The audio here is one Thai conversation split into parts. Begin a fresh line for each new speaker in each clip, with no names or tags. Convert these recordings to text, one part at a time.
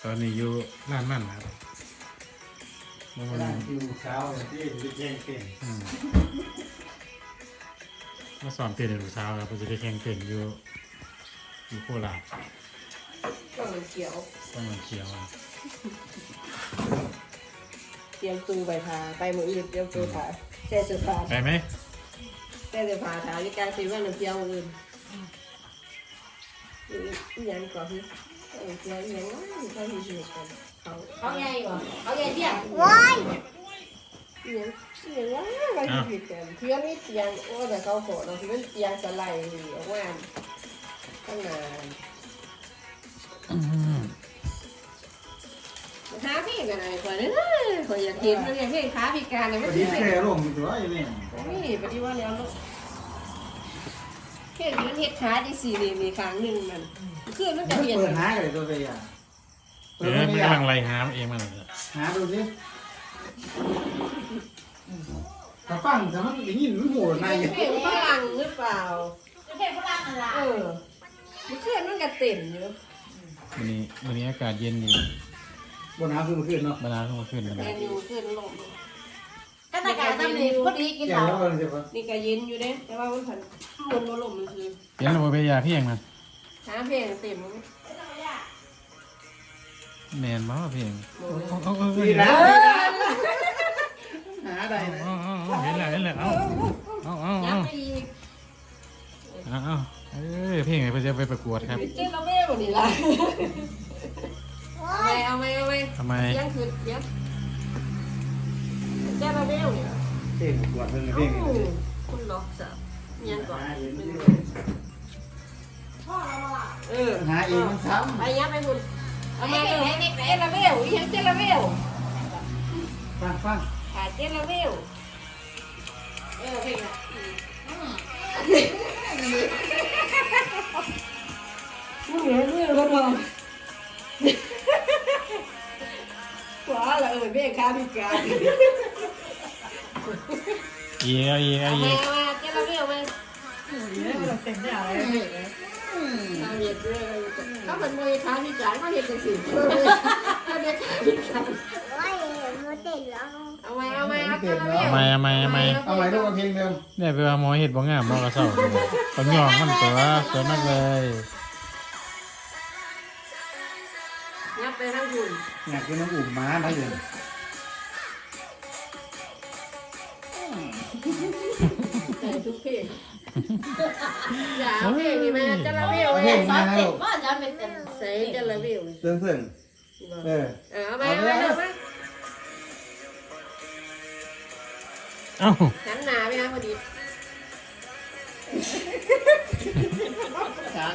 ตอนนี้อยู่ร้านมันครับ
ร้านอยู่เช้าที่จะแข่งเก่ง
มาสอนเต้นในเช้าครับเราจะได้แข่งเต้นอยู่โคราช
ต้องมันเขียว
ต้องมันเขียว
เตรียมตูใบพาไปมืออื่นเตรียมตูผาแช่เสื้อผ้า
ไปไหม
แช่เสื้อผ้าถามที่การซื้อว่าน้ำเจียวมืออื่นยังก่อนที่เจียวยังว่าเขาที่สุดกันเขาใหญ่กว่าเขาใหญ่เที่ยงว้ายยังว่าเขาที่สุดกันเพื่อนนี่เตียงโอ้แต่เขาโผล่เราที่มันเตียงสไลด์ออกมาตั้งนานขาพี่กันอะไรคนนี้คนอยากกินมันอยากเห็นขาพิการเลยไม่
ดี
ใช่
แค่ลงตัวอยู่นี่
นี่ปฏิวัติแล้วลูกเห็นมันเห็ดขาที่สี่นี่มีครั้งหนึ่งมันคือมันจะเห็น
เปิดหาเลยตัวไปอ่ะ
มันกำลังไล่หาเองมันเลย
หาดูสิถ้าฟังแต่มันอย่างนี้มันโหดใน
เพลงฝรั่งหรือเปล่า
เพลงฝรั่งอะไร
มันคือมันกระเต็มอยู่
วันนี้อากาศเย็นดี
บนน้ำคือมันขึ้นเนาะ
บรรดาขึ้นมาขึ้นนะ
แมนยูขึ้นลง
ก็ตะการทำนี่พอดีกิน
แก่
เหล้า
แล้วเลยใช่ปะ
นี่ก็เย็นอยู่เด้แต่ว่ามันผันมันมาลมมันคือ
เย็นเราไปยาเพียงมัน
หาเพลงเต็ม
แมนบ้าเพียง
ดีนะหาได้นะ
เห็นแล้วเอา
ยับไปอีก
เพียงไปจะไปประกวดครับ
เจ๊เราไม่หมดนี่ละเอาไหม
ทำไม
ยังคือยังเจ๊เราไม่เอาเนี่ย
เพ่งกวดเพิ่งเพ่ง
คุณล็อกสับยังก่อน
หาเองมันซ้
ไปยับไปคุณเอามาเลยเจลาเวลยังเจลาเวล
ำฟัง
หาเจลาเวลเพลงมึงเหนื่อยมือก็พอขวาละเพลงค้าพิการ
อีก
มาเจลาเวลมา
เต็มได้อะไร
เขาเห็นด้วยเขาเป็นมวยค้าพิการเขาเห็นจังสิเขาเด็กค้าพิการเอาไหมเอาเจลาเวล
ทำไม
เอาไหมลูกเอาเพลงเดิม
เนี่ยไปว่าหมอเห็ดบ่งามบ่กระเซ้าตอนย่องมันตัวมากเลย
ยับไปทั้งคุณ
อยากกินน้ำอุ่มม้าได้เลย
แต่ทุกเพลงอย่าเอาเพลงนี่มาเจลาเวล
เพลง
ซอ
มา
ส
แล้
เต็
ว
มว่าจะเป็นเต็ม
ใส่เจลาเวล
เสื่อง
เอามา
เอ้า
หันหน้าไปนะพอดี
จ้า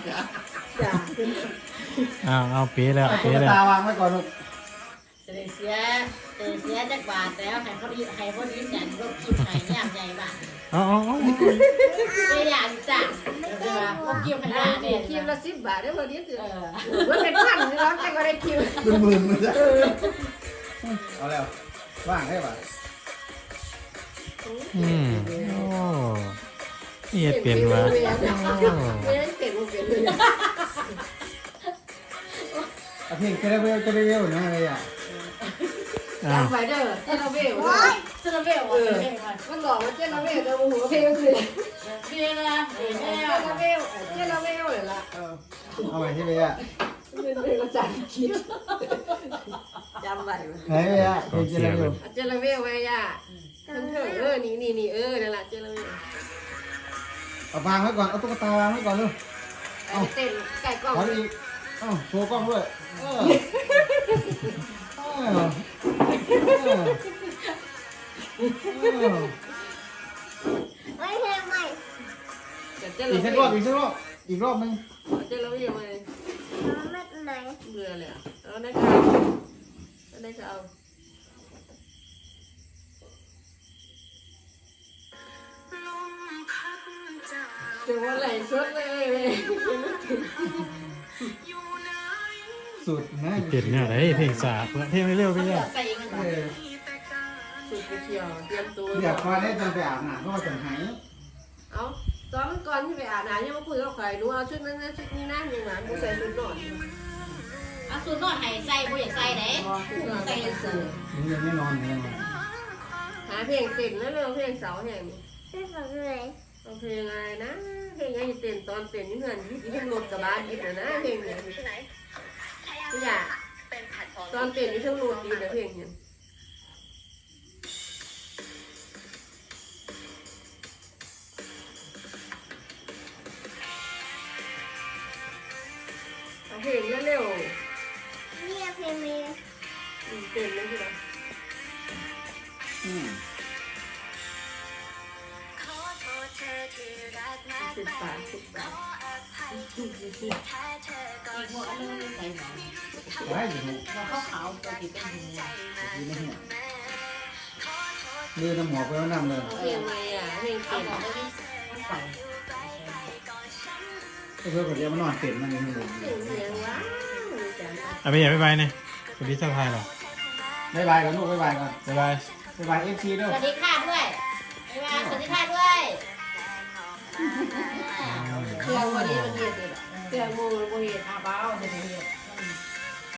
จ้า
เอาเป๊ะแล้ว
ตุ๊
เป๊ะ
ก
แล้ว
ตาวางไว้ก่อนลูก
เสียจากบาทแล้วให้เขาดีให้เขาดีจันรถคิวให้ย่ำใหญ่บ้าน
เอา
ไม่อยากจ้ะเดี๋ยวเขาคิวให้ได้เนี่ย
คิวละ10 บาทได้พอดีถือว่าเป็นพันนี่ร้องแต่ก็ได้คิว
เป็นหมื่นเลยเอาแล้วว่างได้ป่ะ
โอ้นี่เปลี่ยนวะ
ไม่ได้เปลี่ยนเลย
เพลงจะได้เวลนะอะไรอ่ะ
อ้าว
จำไว้เด้อเจลาเวล
จะระเบิดวะ
มันบอกว่าเจลาเวลจะหัวเพลงคือ
เรียนนะเรียน
เจ
แล้ว
ลาเวลเลยล่ะ
เอาไว้ที่ไปอ่ะ
เป็นเพลงภาษาอังกฤษจำไว้
ไหนไปอ่ะเพลงจะได้เวล
เจลาเวลไว้ย่าทั้งเถอะนี่นั่นแหละเจลาเวล
เอาวางไว้ก่อนเอาตุ๊กตาวางไว้ก่อนลูก
เต้นไก่กล้อง
ขออีกโชว์กล้องด้วยอีกสักรอบอีกรอบนึง
เจลาเวลมาเบื่อเลยเอาได้ค่ะเอาถึงวันไหลสดเลย
สุดนะ
เปลี่ยนเนี่ยไหนเพลงสาเพลงเร็วไปเลย
ใส่กัน
สุดไปเที่ยวเตรียมตัว
อยากมาได้จนไปอาบน้ำก็มาจังหาย
เอาตอนก่อนที่ไปอาบน้ำยังมาคุยกับใครรู้เอาชุดนั้นนะชุดนี้นะยังหวานกูใส่ชุดนอน
เอาสุสูนอนให้ใส่บ่อยากใส่ไหนใส่สูน
มึงยังไม่นอนเลยมั้ง
หาเพลงเต้นแล้วเร็วเพลงเสาแห่งนี้
ไม่ฟังเลย
เอาเพลงอะไรนะเพลงยังเต้นตอนเต้นนี่เหมือนที่ทั้งรถกระบะดิบนะเพลงเนี่ยนี่อยากตอนเต้นนี่ทั้งรถดีนะเพลงเนี่ยเอาเพลงเร็ว
นี่เพลงนี้
เต้นเลยใช่ไหม 10 บาท
อีกพวกอันนึงใส่หมอน
ไว้อยู่
เราขาวๆตัวติดเป็นหู
อยู่ในหัวมือน้ำหมอกไปแล้วน้ำเลย
เอาเพลงอะไรอ่ะเพลง
เอา
เต้น
หมอนไปที่ใส่
ก็เพื่อนคนเดียวมันนอนเต็มมันอยู่ในหัว
เพลงเสียงว้าวจัง
อ่ะไปอย่าไปเนี่ยสวัสดีเจ้าไทยเหรอ
บ๊ายบายกันลูกบ๊ายบายก่อน
บ๊ายบาย
บ๊ายบายFC ด้
ส
วย
วัสดีค่ะด้วยบ๊ายบายสวัสดีค่ะด้วย
เครื่องวันนี้มันเห็ดเลยเครื่องมือมันเห็ด
อาเบาจะไปเห็ด